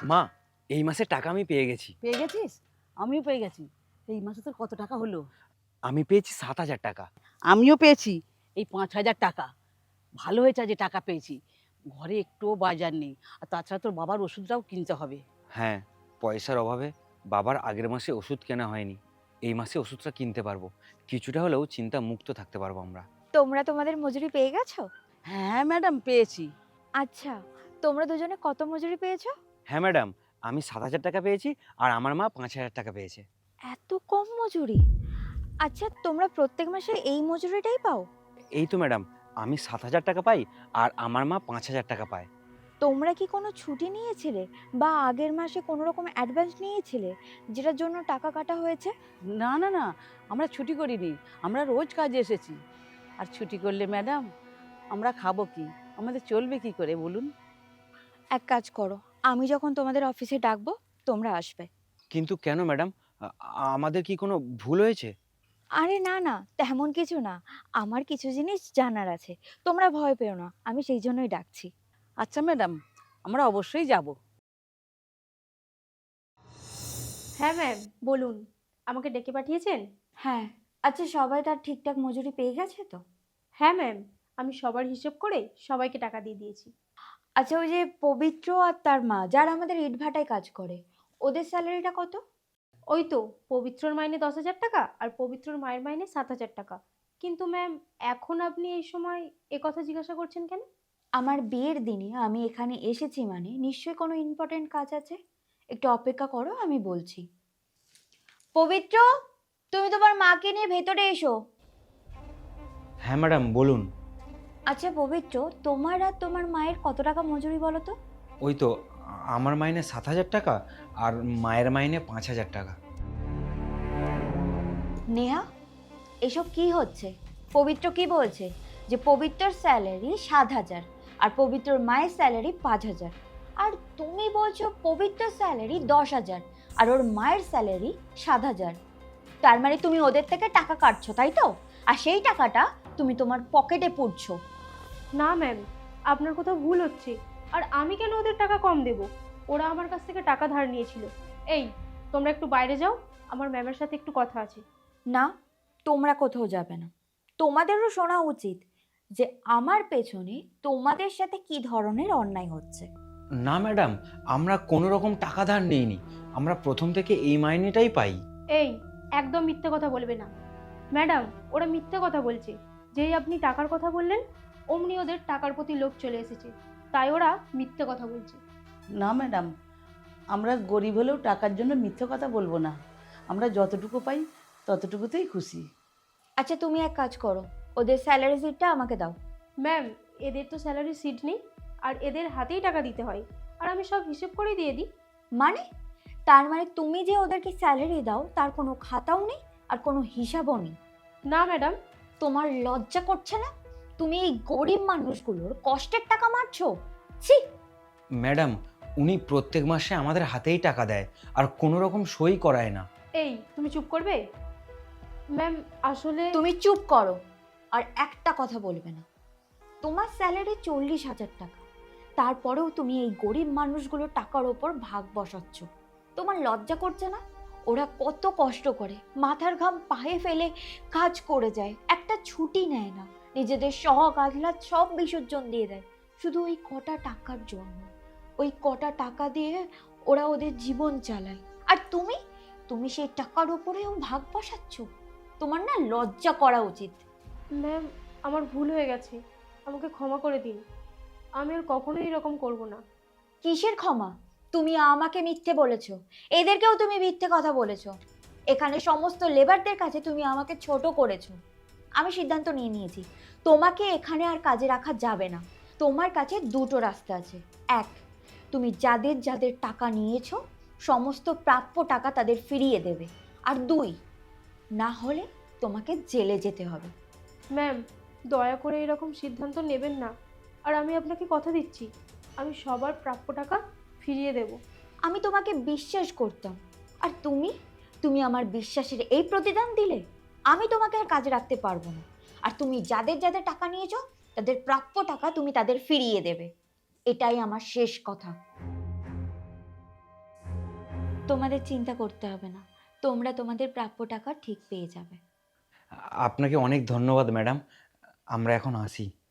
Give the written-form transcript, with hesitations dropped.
মা, এই মাসে টাকা আমি পেয়ে গেছি। পেয়ে গেছিস? আমিও পেয়ে গেছি। এই মাসে তোর কত টাকা হলো? আমি পেয়েছি ৭,০০০ টাকা। আমিও পেয়েছি এই ৫,০০০ টাকা। ভালো হয়েছে যে টাকা পেয়েছি। ঘরে একটুও বাজার নেই। আর তাছাড়া তোর বাবার ওষুধটাও কিনতে হবে। হ্যাঁ, পয়সার অভাবে বাবার আগের মাসে ওষুধ কেনা হয়নি। এই মাসে ওষুধটা কিনতে পারবো। কিছুটা হলেও চিন্তা মুক্ত থাকতে পারবো আমরা। তোমরা তোমাদের মজুরি পেয়ে গেছো? হ্যাঁ ম্যাডাম, পেয়েছি। আচ্ছা, তোমরা দুজনে কত মজুরি পেয়েছো? হ্যাঁ ম্যাডাম, আমি ৭,০০০ টাকা পেয়েছি আর আমার মা ৫,০০০ টাকা পেয়েছে। এত কম মজুরি? আচ্ছা, তোমরা প্রত্যেক মাসে এই মজুরিটাই পাও? এই তো ম্যাডাম, আমি ৭,০০০ টাকা পাই আর আমার মা ৫,০০০ টাকা পায়। তোমরা কি কোনো ছুটি নিয়েছিলে বা আগের মাসে কোনো রকম অ্যাডভান্স নিয়েছিলে যেটার জন্য টাকা কাটা হয়েছে? না না না, আমরা ছুটি করিনি। আমরা রোজ কাজে এসেছি। আর ছুটি করলে ম্যাডাম আমরা খাবো কি? আমাদের চলবে কি করে বলুন? এক কাজ করো, আমি যখন তোমাদের অফিসে ডাকবো তোমরা আসবে। কিন্তু কেন ম্যাডাম? আমাদের কি কোনো ভুল হয়েছে? আরে না না, তেমন কিছু না। আমার কিছু জিনিস জানার আছে। তোমরা ভয় পেও না, আমি সেই জন্যই ডাকছি। আচ্ছা ম্যাডাম, আমরা অবশ্যই যাব। হ্যাঁ ম্যাম, বলুন। আমাকে ডেকে পাঠিয়েছেন? হ্যাঁ। আচ্ছা, সবাই তার ঠিকঠাক মজুরি পেয়ে গেছে তো? হ্যাঁ ম্যাম, আমি সবার হিসেব করে সবাইকে টাকা দিয়ে দিয়েছি। আচ্ছা, ওই যে পবিত্র আর তার মা যারা আমাদের ইটভাটায় কাজ করে, ওদের স্যালারিটা কত? ওই তো, পবিত্রর মাইনে 10,000 টাকা আর পবিত্রর মায়ের মাইনে 7,000 টাকা। কিন্তু ম্যাম, এখন আপনি এই সময় কথা জিজ্ঞাসা করছেন কেন? আমার বিয়ের দিনে আমি এখানে এসেছি মানে নিশ্চয়ই কোনো ইম্পর্টেন্ট কাজ আছে। একটু অপেক্ষা করো, আমি বলছি। পবিত্র, তুমি তোমার মাকে নিয়ে ভেতরে এসো। হ্যাঁ ম্যাডাম, বলুন। আচ্ছা পবিত্র, তোমার আর তোমার মায়ের কত টাকা মজুরি বলো তো? ওই তো, আমার মাইনে ৭,০০০ টাকা আর মায়ের মাইনে ৫,০০০ টাকা। নেহা, এসব কি হচ্ছে? পবিত্র কি বলছে যে পবিত্রর স্যালারি ৭,০০০ আর পবিত্রর মায়ের স্যালারি ৫,০০০, আর তুমি বলছো পবিত্রর স্যালারি ১০,০০০ আর ওর মায়ের স্যালারি ৭,০০০। তার মানে তুমি ওদের থেকে টাকা কাটছো, তাই তো? আর সেই টাকাটা তুমি তোমার পকেটে পুরছো। না ম্যাম, আপনার কোথাও ভুল হচ্ছে। আর আমি কেন ওদের টাকা কম দেব? ওরা আমার কাছ থেকে টাকা ধার নিয়েছিল। এই, তোমরা একটু বাইরে যাও, আমার ম্যামের সাথে একটু কথা আছে। না, তোমরা কোথাও যাবে না। তোমাদেরও শোনা উচিত যে আমার পেছনে তোমাদের সাথে কি ধরনের অন্যায় হচ্ছে। না ম্যাডাম, আমরা কোনো রকম টাকা ধার নিইনি। আমরা প্রথম থেকে এই মাইনেটাই পাই। এই, একদম মিথ্যে কথা বলবে না। ম্যাডাম, ওরা মিথ্যে কথা বলছে। যেই আপনি টাকার কথা বললেন অমনি ওদের টাকার প্রতি লোভ চলে এসেছে, তাই ওরা মিথ্যে কথা বলছে। না ম্যাডাম, আমরা গরিব হলেও টাকার জন্য মিথ্যে কথা বলবো না। আমরা যতটুকু পাই ততটুকুতেই খুশি। আচ্ছা, তুমি এক কাজ করো, ওদের স্যালারি শিটটা আমাকে দাও। ম্যাম, এদের তো স্যালারি সিট নেই, আর এদের হাতেই টাকা দিতে হয়, আর আমি সব হিসেব করেই দিয়ে দিই। মানে? তার মানে তুমি যে ওদেরকে স্যালারি দাও তার কোনো খাতাও নেই আর কোনো হিসাবও নেই? না ম্যাডাম। তোমার লজ্জা করছে না? তুমি এই গরিব মানুষগুলোর কষ্টের টাকা মারছো? ছি! ম্যাডাম, উনি প্রত্যেক মাসে আমাদের হাতেই টাকা দেয় আর কোনো রকম সই করায় না। এই, তুমি চুপ করবে? ম্যাম, আসলে তুমি চুপ করো আর একটা কথা বলবে না। তোমার স্যালারি 40,000 টাকা, তারপরেও তুমি এই গরিব মানুষগুলোর টাকার ওপর ভাগ বসাচ্ছ। তোমার লজ্জা করছে না? ওরা কত কষ্ট করে মাথার ঘাম পায়ে ফেলে কাজ করে যায়, একটা ছুটি নেয় না, নিজেদের শখ আহ্লাদ সব বিসর্জন দিয়ে দেয় শুধু ওই কটা টাকার জন্য। ওই কটা টাকা দিয়ে ওরা ওদের জীবন চালায়, আর তুমি তুমি সেই টাকার ওপরেও ভাগ বসাচ্ছ। তোমার না লজ্জা করা উচিত। ম্যাম, আমার ভুল হয়ে গেছে, আমাকে ক্ষমা করে দিন। আমি আর কখনোই এরকম করব না। কিসের ক্ষমা? তুমি আমাকে মিথ্যে বলেছো, এদেরকেও তুমি মিথ্যে কথা বলেছো। এখানে সমস্ত লেবারদের কাছে তুমি আমাকে ছোট করেছো। আমি সিদ্ধান্ত নিয়ে নিয়েছি, তোমাকে এখানে আর কাজে রাখা যাবে না। তোমার কাছে দুটো রাস্তা আছে। এক, তুমি যাদের যাদের টাকা নিয়েছো সমস্ত প্রাপ্য টাকা তাদের ফিরিয়ে দেবে। আর দুই, না হলে তোমাকে জেলে যেতে হবে। ম্যাম, দয়া করে এরকম সিদ্ধান্ত নেবেন না। আর আমি আপনাকে কথা দিচ্ছি, আমি সবার প্রাপ্য টাকা ফিরিয়ে দেব। আমি তোমাকে বিশ্বাস করতাম, আর তুমি তুমি আমার বিশ্বাসের এই প্রতিদান দিলে? আমি তোমাকে আর কাজে রাখতে পারবো না। আর তুমি যাদের যাদের টাকা নিয়েছো তাদের প্রাপ্য টাকা তুমি তাদের ফিরিয়ে দেবে। এটাই আমার শেষ কথা। তোমাদের চিন্তা করতে হবে না, তোমরা তোমাদের প্রাপ্য টাকা ঠিক পেয়ে যাবে। আপনাকে অনেক ধন্যবাদ ম্যাডাম, আমরা এখন আসি।